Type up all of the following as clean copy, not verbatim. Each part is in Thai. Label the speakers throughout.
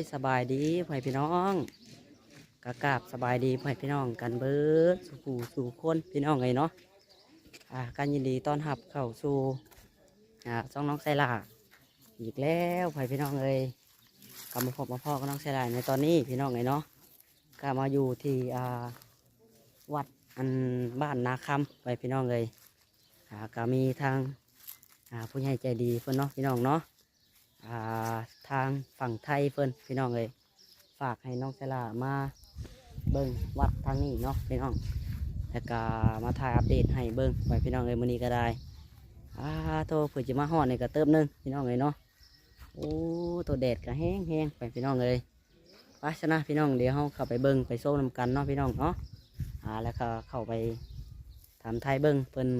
Speaker 1: สบายดีพ่อพี่น้องกราบสบายดีพ่อพี่น้องกันเบิดสู่คนพี่น้องไงเนาะการยินดีต้อนรับเข้าสู่ช่องน้องไซล่าอีกแล้วพ่อพี่น้องเลยกลับมาพบมาพ่อกับน้องไซล่าในตอนนี้พี่น้องไงเนาะก็มาอยู่ที่วัดอันบ้านนาคำไปพี่น้องเลยก็มีทางผู้ใหญ่ใจดีเพื่อนเนาะพี่น้องเนาะทางฝั่งไทยเพื่อนพี่น้องเลยฝากให้น้องไซล่ามาเบิ้งวัดทางนี้เนาะพี่น้องแล้วก็มาถ่ายอัปเดตให้เบิ้งไปพี่น้องเลยมื้อนี้ก็ได้โตเผื่อจะมาห่อดในกระเติบนึงพี่น้องเลยเนาะโอ้ตัวแดดก็แห้งไปพี่น้องเลยไปชนะพี่น้องเดี๋ยวเขาเข้าไปเบิ้งไปโซ่นำกันเนาะพี่น้องเนาะแล้วก็เข้าไปทำไทยเบิ้งเพิ่น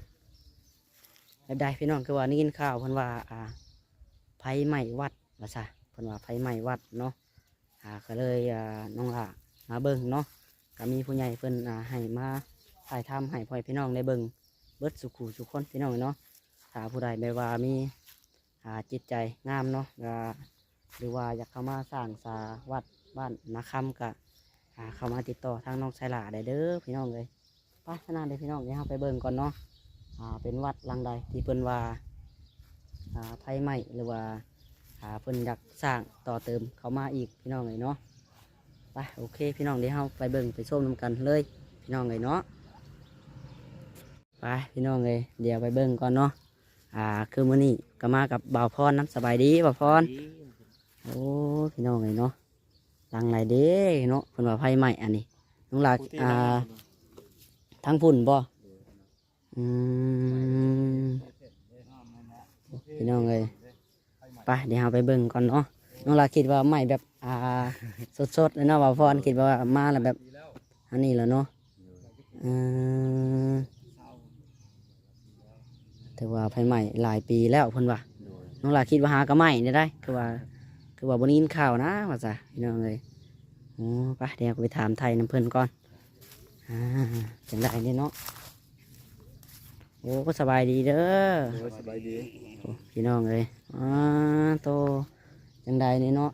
Speaker 1: ได้พี่น้องคือว่านี่กินข้าวเพิ่นว่าไฟไหม้วัดว่าซะเพิ่นว่าไฟไหม้วัดเนาะก็เลยน้องมาเบิ้งเนาะก็มีผู้ใหญ่เพิ่นให้มาถ่ายทำให้พ่อพี่น้องได้เบิ้งเบิดสุขคนพี่น้องเนาะถ้าผู้ใดแบบว่ามีจิตใจงามเนาะหรือว่าอยากเข้ามาสร้างวัดบ้านนาคำก็เข้ามาติดต่อทางน้องไซล่าได้เด้อพี่น้องเลยไปขนาดเลยพี่น้องเดี๋ยวเราไปเบิ้งก่อนเนาะเป็นวัดหลังใดที่เพิ่นว่าไฟไหม้หรือว่าเพิ่นอยากสร้างต่อเติมเข้ามาอีกพี่น้องเลยเนาะไปโอเคพี่น้องเดี๋ยวเราไปเบิ่งไปชมนำกันเลยพี่น้องเลยเนาะไปพี่น้องเลยเดี๋ยวไปเบิ่งก่อนเนาะคือมื้อนี้ก็มากับบ่าวพรน้ำสบายดีบ่าวพรโอ้พี่น้องเลยเนาะหลังไหนเด้เนาะเพิ่นว่าไฟไหม้อันนี้น้องหลาทั้งฝุ่นบ่พี่น้องเลยไปเดี๋ยวเราไปเบิ่งก่อนเนาะน้องลาคิดว่าไม่แบบสดเลยเนาะบ่าวพรคิดว่ามาแล้วแบบอันนี้แหละเนาะแต่ว่าไฟไหม้หลายปีแล้วเพิ่นว่าน้องลาคิดว่าหากระไหม้ได้คือว่าบนนี้ข่าวนะว่าจ้ะพี่น้องเลยโอ้ไปเดี๋ยวไปถามไทยน้ำเพิ่นก่อนจังได้เนี่ยเนาะโอ้ก็สบายดีเด้อ
Speaker 2: สบายดี
Speaker 1: พี่น้องเลยโตจังใดนี่เนาะ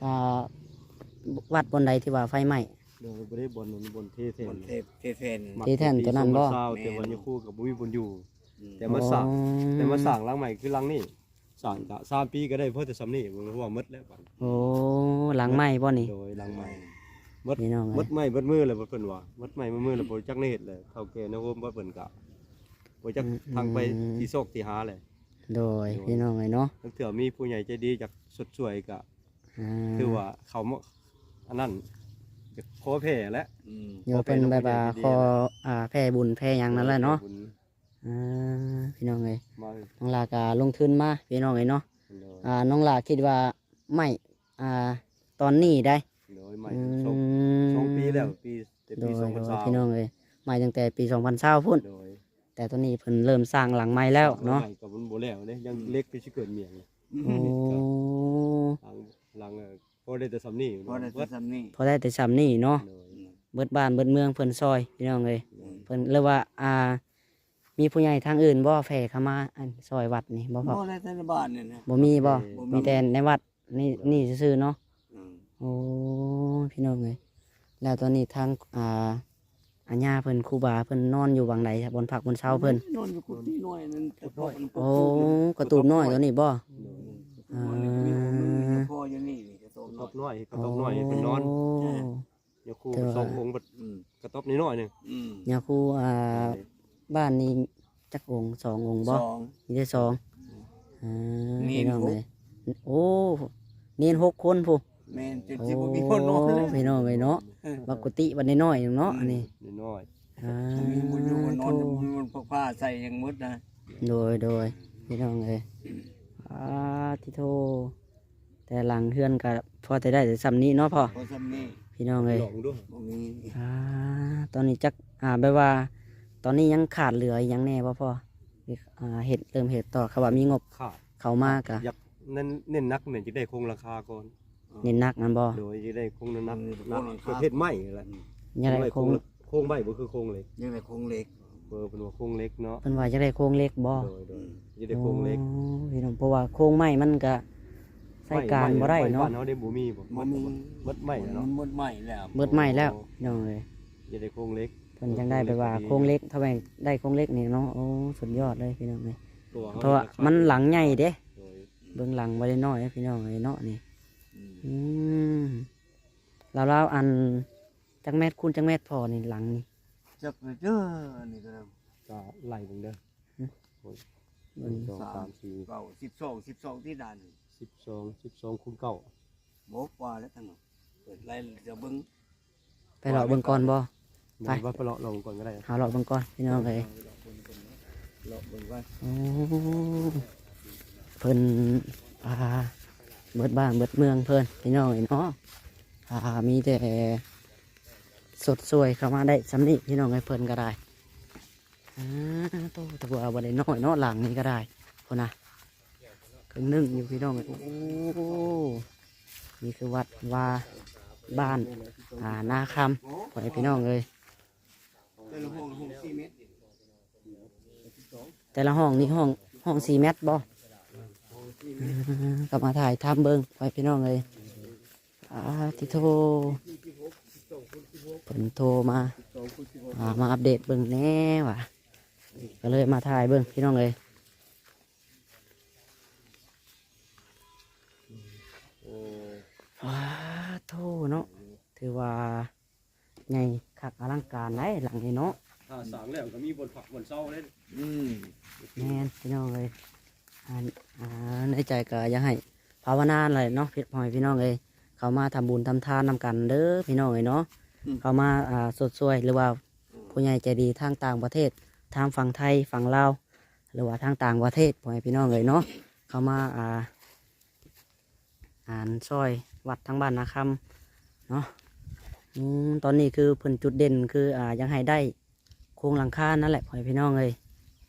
Speaker 1: วัดบนใดที่ว่าไฟไหม้
Speaker 2: เดี๋ยวบ่ได้บนเทเทน
Speaker 1: ที่แท่นตัวนั้นบ่
Speaker 2: แต่วันนี้คู่กับบุ้ยบนอยู่แต่มาสั่งหลังใหม่คือหลังนี้สั่งจะ3 ปีก็ได้เพราะแต่ซ้ำนี่มันว่าหมดแล้วบัด
Speaker 1: โอ้หลังไหม้บ่นี่
Speaker 2: โดยหลังใหม่หมดไหม้หมดมือเลยบ่เพิ่นว่าหมดไหม้มือแล้วบ่จักในเฮ็ดเลยเฒ่าแก่นะโฮมบ่เพิ่นกะบ่จักทางไปที่โศกที่หาเลย
Speaker 1: โดยพี่น้องไงเนาะ
Speaker 2: ตั้งแต่มีผู้ใหญ่ใจดีจากสดสวยกะคือว่าเขาอันนั้นจะขอแผ่แล้ว
Speaker 1: โยเป็นแบบขอแผ่บุญแผ่ยังนั่นแหละเนาะพี่น้องไงน้องลากาลงทุนมาพี่น้องไงเนาะน้องลาคิดว่าไม่ตอนนี้ได้
Speaker 2: 2 ปีแล้วปี
Speaker 1: 2020พี่น้องเลยไม่ตั้งแต่ปี2020พุ่นแต่ตอนนี้เพิ่นเริ่มสร้างหลังไม้แล้วเนาะ
Speaker 2: กับมันโบแล้วเนี่ยยังเล็กไปชิเกิดเมียง
Speaker 1: โอ้
Speaker 2: หลังพอได้แต่ซ้ำนี่
Speaker 1: พอได้แต่ซ้ำนี่เนาะเบิดบ้านเบิดเมืองเพิ่นซอยพี่น้องเลยเพิ่นเรียกว่ามีผู้ใหญ่ทางอื่นบ่แผ่เข้ามาซอยวัดนี่บ่พอ
Speaker 3: บ่ได้ในบ้านนี่นะ
Speaker 1: บ่มีบ่มีแต่ในวัดนี่ซื่อๆเนาะโอ้พี่น้องเลยแล้วตอนนี้ทางอาญาเพิ่นครูบาเพิ่นนอนอยู่วังใดบนผักบนเช้าเพิ่น
Speaker 3: นอนอยู่กุฏิน้อยนั่น
Speaker 1: โอ้กระตูบน้อยตัวนี้บ่
Speaker 3: พออยู่นี่กระตูบ
Speaker 2: น้อยเป็นนอนอย่าครู2 องค์กระต๊อบนิดหน่อยนึง
Speaker 1: อย่าครูบ้านนี้จักองค์2 องค์บ่มีได้2พี่น้องเลยโอ้เนียน6 คนผู้
Speaker 3: แม่นจะสิบ่มีคนนอนเลย
Speaker 1: พี่น้องเลยเนาะบักกุฏิบัดน้อยๆเนาะอันนี้
Speaker 2: น้อย
Speaker 3: มีบุญอยู่นอนมันผ้าใส่อย่างมุดนะ
Speaker 1: โดยพี่น้องเลยที่โทแต่หลังเฮือนก็พอจะได้แต่ซ้ำนี้เนาะพ่อ
Speaker 3: ซ้ำนี้
Speaker 1: พี่น้องเลย
Speaker 3: บ่มี
Speaker 1: ตอนนี้จักแบบว่าตอนนี้ยังขาดเหลือยังแน่พ่อเห็ดเติมเห็ดต่อเขาว่ามีงบเขามากอะ
Speaker 2: อยากเน้นนักเนี่ยจะได้คงราคาก่อน
Speaker 1: เน้นนักนั่นบ่
Speaker 2: โดยจะได้คงนักประเภทไม้อะไร
Speaker 1: ยังไง
Speaker 2: โคงใบบ่คือโคงเล็ก
Speaker 3: ยังไงโคงเล็ก
Speaker 2: เป็นว่าโคงเล็กเนาะ
Speaker 1: เป็นว่าจะได้โคงเล็กบ่
Speaker 2: จะได้โคงเล็ก
Speaker 1: พี่น้องเพราะว่าโคงไม้มันก็ใส่การบ่ได้เนาะ
Speaker 2: บ้านเฮาได้บ่มีบ่
Speaker 3: บ่มี
Speaker 2: มัดใหม่เนาะ
Speaker 3: หมดใหม่แล้ว
Speaker 1: เบิดใหม่แล้วพี่น้องเอ้ย
Speaker 2: อย่าได้โครงเล็ก
Speaker 1: เพิ่นจังได้ไปว่าโครงเล็กถ้าแม่งได้โครงเล็กนี่เนาะโอ้สุดยอดเลยพี่น้องเอ้ย
Speaker 2: ตัวเฮา
Speaker 1: เพราะว่ามันหลังใหญ่เด้
Speaker 2: โดย
Speaker 1: เบื้องหลังบ่ได้น้อยนะพี่น้องเอ้ยเนาะนี่
Speaker 3: อืม
Speaker 1: อืมแล้วอันจักแมตรคูณจักแมตรพอนี่หลังนี่
Speaker 3: จักเลยเด้ออันนี้ก็
Speaker 2: ก็ไล่เบิ่งเด้อ
Speaker 1: หึ
Speaker 2: โอ้ย
Speaker 1: เบิ่ง
Speaker 2: 1 2 3 4
Speaker 3: เก้า12ที่ด่าน
Speaker 2: 12คูณ9
Speaker 3: บ่กว่าแล้วทั้งนั้นเปิดไล่จะเบิ่ง
Speaker 1: ไปเลาะเบิ่งก่อนบ่ ไป
Speaker 2: ว่าไปเลาะลงก่อนก็ได้
Speaker 1: หาเลาะเบิ่งก่อนพี่น้องเอ้ย
Speaker 3: เลาะเบิ่งว่า
Speaker 1: โอ้เพิ่นเบิดบ้านเบิดเมืองเพิ่นพี่น้องเอ้ยเนาะมีแต่สดสวยเข้ามาได้สำนี้พี่น้องเอ้ยเพิ่นก็ได้โตแต่ว่าบ่ได้น้อยเนาะหลังนี้ก็ได้พุ่นน่ะครึ่งหนึงอยู่พี่น้องเอ้ยโอ้นี่คือวัดว่าบ้านนาคำพ่อแม่พี่น้องเอ้ย
Speaker 3: แต่ละห้อง4เมตร
Speaker 1: แต่ละห้องนี่ห้อง4 เมตรบ่กลับมาถ่ายทำเบิ้งไปพี่น้องเลยที่โทรเพิ่นโทรมามาอัปเดตเบิ้งแน่ว่ะก็เลยมาถ่ายเบิ้งพี่น้องเลย
Speaker 2: โอ้
Speaker 1: ว้าโทเนาะถือว่าไงคักอลังการไหนหลังนี้เนาะ
Speaker 2: ถ้าสร้างแล้วก็มีบนผักบนเซาเด้
Speaker 3: อืม
Speaker 1: แม่นพี่น้องเลยในใจก็อยากให้ภาวนาเลยเนาะพี่พ่อพี่น้องเลยเขามาทำบุญทำทานนำกันเด้อพี่น้องเลยเนาะเขามาสดสวยหรือว่าผู้ใหญ่ใจดีทางต่างประเทศทางฝั่งไทยฝั่งลาวหรือว่าทางต่างประเทศพ่อพี่น้องเลยเนาะเขามาซอยวัดทางบ้านนาคำเนาะตอนนี้คือเพิ่นจุดเด่นคือยังให้ได้โครงหลังคานั่นแหละพ่อพี่น้องเลย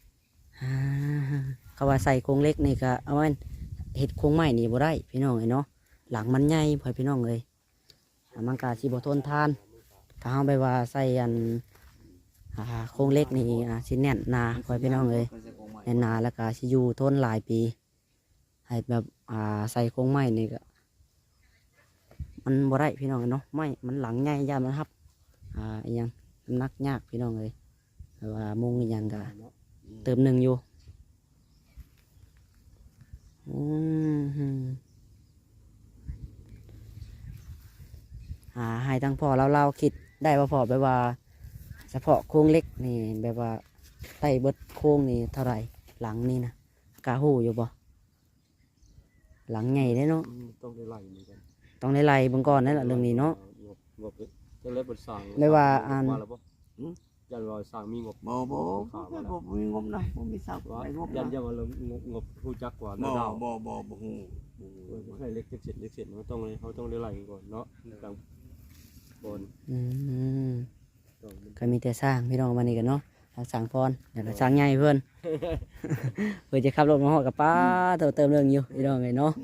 Speaker 1: เขาว่าใส่โครงเล็กนี่ก็เอาไว้เห็ดโครงใหม่นี่บ่ได้พี่น้องเลยเนาะหลังมันใหญ่พ่อพี่น้องเลยมันกาสิบ่ทนทานถ้าเอาไปว่าใส่โครงเล็กนี่สิแน่นหนาพ่อพี่น้องเลยแน่นหนาแล้วก็สิอยู่ทนหลายปีให้แบบใส่โครงใหม่นี่ก็มันบ่ได้พี่น้องเนาะไม่มันหลังใหญ่ยามมันครับอหยังน้ำหนักยากพี่น้องเลยแต่ว่ามุงอหยังก็เติมหนึ่งอยู่ให้ทั้งพ่อเราคิดได้ว่าพอแบบว่าเฉพาะโครงเล็กนี่แบบว่าไต้เบิดโครงนี่เท่าไหร่หลังนี่นะกาหูอยู่บ่หลังใหญ่ได้เนาะ
Speaker 2: ต้องได้ไล่เหมือนกัน
Speaker 1: ต้องได้ไล่เบิ่งก่อนนั่นแหละเรื่องนี้เนาะ
Speaker 2: งบจะเล็บบทสั่ง
Speaker 1: ได้ว่า
Speaker 2: แล้วบ่ยันว่าสั่งมีงบ
Speaker 3: บ่มีงบนะบ่มีสัก
Speaker 2: ว่า
Speaker 3: ไอ้งบ
Speaker 2: ยั
Speaker 3: นะ
Speaker 2: นจะว่าเรางบผู้จักกว่า
Speaker 3: บ่
Speaker 2: ดาว
Speaker 3: บ่ฮู้
Speaker 2: ให้เล็กเสร็จเขาต้องได้ไล่ก่อนเนาะกลางบน ต้อง
Speaker 1: ก็มีแต่สร้างพี่น้องมานี่กันเนาะสร้างพรเดี๋ยวเราสร้างใหญ่เพื่อน เพื่อจะขับรถมาหอดกับป้าเติมเรื่องอยู่พี่น้องไงเนาะ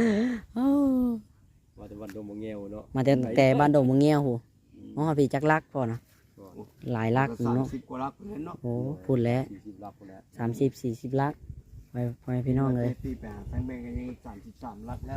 Speaker 2: ว่าแต่วันดงบ่แงวเนาะ
Speaker 1: มาแต่บ้านดงเมืองเงี้ยวหูอ๋อพี่จักรักพอนะหลายลักอยู่เนาะ
Speaker 3: 30กว่าลักเลยเนาะ
Speaker 1: โอ้พูดแล้ว
Speaker 2: 40ลักคนละ
Speaker 1: 30-40 ลักไปพี่น้องเลย
Speaker 3: ปีแปดแพงแบงกันยัง33ลักแล้ว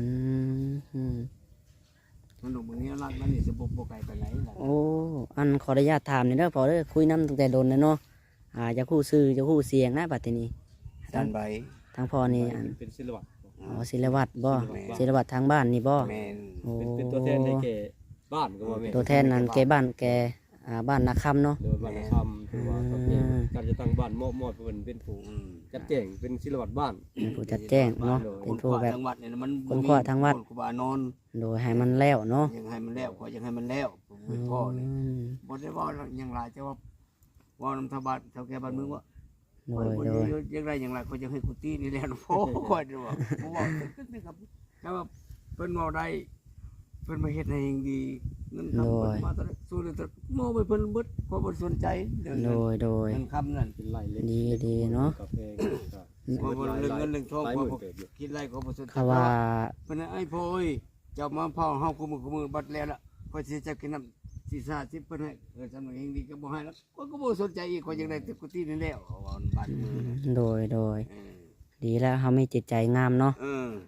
Speaker 3: มันหนุ่มมึงนี้รักมันนี่จะบ่ไกลไปไหนล่ะ
Speaker 1: โอ้อันขออนุญาตถามนี่เด้อพอเด้อคุยน้ำตั้งแต่โดนเลยเนาะจะคู่ซื้อจะคู่เสียงนะบัดทีนี้
Speaker 3: จานใบ
Speaker 1: ทางพ่อนี่
Speaker 2: เป็นศิลวัตร
Speaker 1: ศิลวัตรบ่ศิลวัตรทางบ้านนี่บ่
Speaker 3: แม่น
Speaker 1: โอ้
Speaker 2: เป็นตัวแทนให้แก่บ้านก็ว่าแม่
Speaker 1: ตัวแทนนั้นแกบ้านแกบ้านนาคำเนาะ
Speaker 2: เดินบ้านคำคือว่าเขาเป็นการจะตั้งบ้านมอบเป็นผู้จัดแจงเป็นศิลวัตรบ้าน
Speaker 1: เป็นผู้จัดแจ้งเนาะเป็นผู้แบบ
Speaker 3: จังหวัดเนี่ยมัน
Speaker 1: คนขวาทางวัด
Speaker 3: คนขวานอน
Speaker 1: โดยให้มันแล้วเนาะ
Speaker 3: ยังให้มันแล้วขอยังให้มันแล้วผมพ่อนี่บ่ได้ว่ายังหลายจะว่าน้ำทบาทเท่าแก่บ้านเมืองว่า
Speaker 1: โดยโดย
Speaker 3: ยังไรอย่างไรเขาจะให้กุฏินี่แหละโอ้คอยดูว่าผมบอกนี่ครับแต่ว่าเพิ่นเอาได้เพิ่นมาเฮ็ดให้อย่างดีเงินคำเพิ่นมาตอนสู้เลยตอนโม่ไปเพิ่นเบิดเพราะบ่สนใจเรื่อง
Speaker 1: โดยโดย
Speaker 3: เงินคำนั่น
Speaker 2: เป็นไร่เล็ก
Speaker 1: ดีเนาะ
Speaker 2: กาแฟ
Speaker 3: ว่าบ่เรื่องเงินเรื่องทอง
Speaker 2: หลายห
Speaker 3: ว่า
Speaker 2: มื่น
Speaker 3: บ่
Speaker 2: เกิดอยู่
Speaker 3: คิดไรก็บ่สนใจ
Speaker 1: เขาว่า
Speaker 3: เพิ่นไอ้พ่อยเจ้ามาเผาเฮาคุมือบัดแล้วล่ะพอสิจะกินน้ำสิ30เพิ่นให้สำนักเองดีก็บ่ให้แล้วก็บ่สนใจอีกก็ยังได้ตึกกุฏินี่แล้วบ้านเมือง
Speaker 1: โดยดีแล้วเขาไม่จิตใจงามเนาะ
Speaker 3: เออ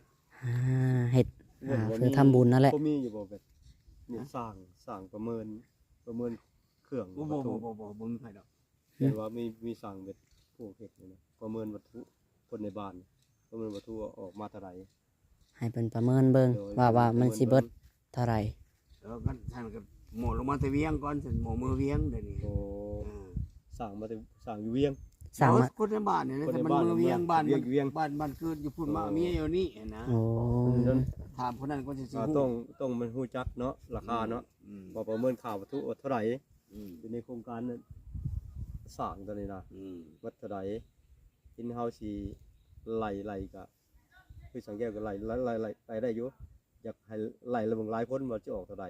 Speaker 1: เฮ็ดคือทำบุญนั่นแหละ
Speaker 2: บ่มีอยู่บ่แบบนี่สร้างประเมินเครื่อง
Speaker 3: บ่
Speaker 2: วัตถุ
Speaker 3: บ่มีไผดอก
Speaker 2: เห็นว่ามีสร้างแบบพวกเฮ็ดนี่นะประเมินวัตถุคนในบ้านประเมินวัตถุว่าออกมาเท่าไหร่
Speaker 1: ให้เป็นประเมินเบิ่ง
Speaker 2: โดย
Speaker 1: ว่ามันสิเบิดเท่าไหร่
Speaker 3: แล้วก็ท่านก็หมอลงมาแต่เวียงก่อนฉันหมอมือเวียงเดี๋ยวนี้
Speaker 2: โอ้สร้างอยู่เวียง
Speaker 1: สร้างมา
Speaker 3: คนในบ้านเนี่ยนะ
Speaker 2: คนใน
Speaker 3: แต่มัน
Speaker 2: บ้าน
Speaker 3: มือเวียงบ้าน
Speaker 2: เวียง
Speaker 3: บ้านเกิดอยู่พุ่นมาเมียอยู่นี่นะ
Speaker 1: โอ้
Speaker 3: ถามคนนั้นก็จะสิ
Speaker 2: ต้องมันฮู้จักเนาะราคาเนาะว่าประเมินค่าวัตถุว่าเท่าไหร่อยู่ในโครงการนั้นสร้างตัวนี้นะวัดเท่าไหร่อินเฮาสิไล่ก็คือสังเกตก็ไล่ได้อยู่อยากให้ไล่ระเบิดหลายคนว่าจะออกเท่าไหร่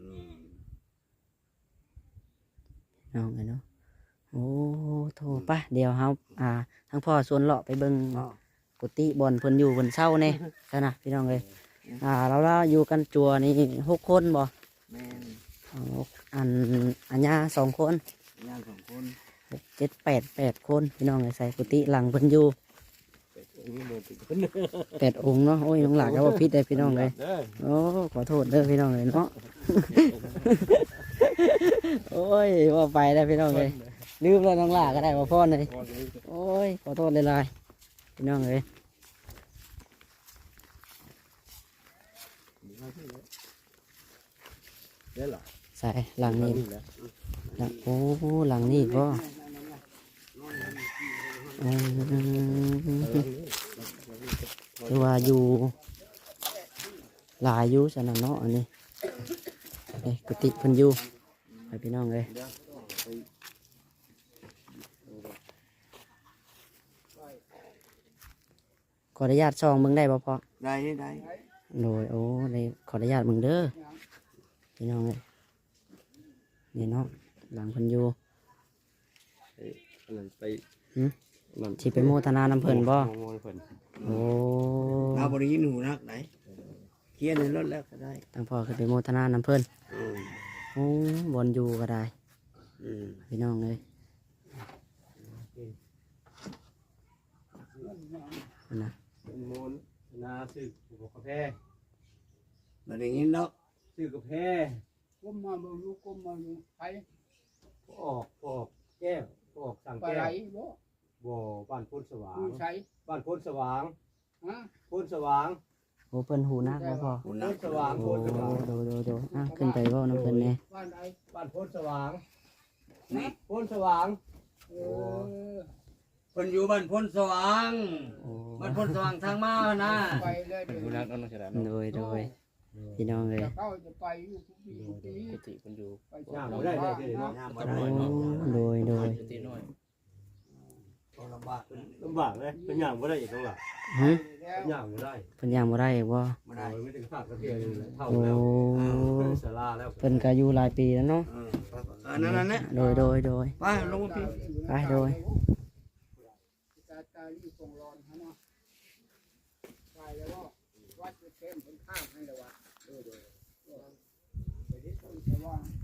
Speaker 1: น้องเนาะโอ้โทรปะเดี๋ยวเฮาทั้งพ่อชวนเลาะไปเบิ่งกุฏิบ่อนเพิ่นอยู่เพิ่นเช่าแน่ซะนะพี่น้องเอ้ยเราอยู่กันจัวนี่6 คนบ่
Speaker 3: แม่น
Speaker 1: อัญญา2 คน
Speaker 3: ย่างสองคน
Speaker 1: 6 7 8 คนพี่น้องเอ้ยใส่กุฏิหลังเพิ่นอยู่8 องค์เนาะโอ้ยน้องหลานก็บ่ผิดได้พี่น้องเอ้ยโอ้ขอโทษเด้อพี่น้องเอ้ยเนาะ โอ้ยว่าไปได้พี่น้องเลยลืมแล้วน้องหลาก็ได้ว่าพ่อเลยโอ้ยขอโทษเลยลายพี่น้องเลย
Speaker 2: ได้หรอ
Speaker 1: ใส่หลังนี้หลังโอ้หลังนี้ก็คือว่าอยู่หลายอยู่สนั่นเนาะอันนี้กุฏิเพิ่นอยู่ให้พี่น้องเลยขออนุญาตซองมึงได้บ่พ่อ
Speaker 3: ได้
Speaker 1: โดยโอ้ได้ขออนุญาตมึงเด้อพี่น้องเลยนี่เนาะหลังเพิ่นอยู่
Speaker 2: ไป
Speaker 1: สิไปโมทนานำเพิ่นบ่ โอ้
Speaker 3: เราบริยินหูนักไหนเขียนในรถแล้วก็ได้
Speaker 1: ตั้งพ่อขึ้นไปโมทนานำเพิ่นโอ้บอนอยู่ก็ได้พี่น้องเลยนะ
Speaker 2: โมนนาซื้อกาแฟ
Speaker 3: บริยินเนาะ
Speaker 2: ซื้อกาแฟ
Speaker 4: ก้มมาเบิ่งลูกก้มมาอยู่ไป
Speaker 2: ออกแก้วออกสั่ง
Speaker 4: ปลา
Speaker 2: แก้
Speaker 4: ไหล
Speaker 2: ว
Speaker 4: บ่
Speaker 2: บ่บ้านโพนสว่าง
Speaker 4: อยู่ใช้
Speaker 2: บ้านโพนสว่าง
Speaker 4: ฮะ
Speaker 2: โพนสว่าง
Speaker 1: โอ้เพิ่นหูนักบ่พ่อ
Speaker 3: หู
Speaker 2: โพ
Speaker 3: นัก
Speaker 2: นสว่าง
Speaker 1: โอ้
Speaker 2: โพนสว่าง
Speaker 1: โดขึ้นไปเว้าน้ำเพิ่นแน่
Speaker 4: บ้านใด
Speaker 2: บ้านโพนสว่าง
Speaker 3: นี่
Speaker 2: โพนสว่าง
Speaker 4: เออ
Speaker 3: คนอยู่บ้านพ้นสว่าง
Speaker 1: โอ้
Speaker 3: บ้านพ้นสว่างทางมานะ
Speaker 4: ไปเลยเดี๋ยว
Speaker 5: ผู้นักนั่นน่าจะได้
Speaker 1: โดยพี่น้องเลย
Speaker 4: จะเข้าจะไปอยู่ทุกปีทุกปี
Speaker 5: กุฏิคนอยู่
Speaker 4: ไป
Speaker 2: ย่างบ่ได้เลยเนาะ
Speaker 3: น้ำ
Speaker 1: โ
Speaker 3: มาได้
Speaker 1: ดย
Speaker 5: กุฏิน้อย
Speaker 3: ลำบาก
Speaker 2: ลำบากเลยเป็นย่างบ่ได้อีกแล้วล่ะ
Speaker 1: ฮะ
Speaker 4: แล้ว
Speaker 2: ย่างบ่ได้
Speaker 1: เพิ่นยังบ่ได้บ่
Speaker 3: มาได้
Speaker 2: ไม่ถึงขาดกระเทียมเลยเท่า
Speaker 1: โอ้
Speaker 2: แล้วศาลาแล้ว
Speaker 1: เพิ่นก็อยู่หลายปีแล้วเนาะ
Speaker 3: นั่นเนี่ย
Speaker 1: โดย
Speaker 3: ไปลงมาพี่
Speaker 1: ไปโดย
Speaker 4: ตาลีคงร้อนฮะเนาะไปแล้วก็วัดเข้มเป็นข้ามให้แล้ววะไปที่ต้นสว่าง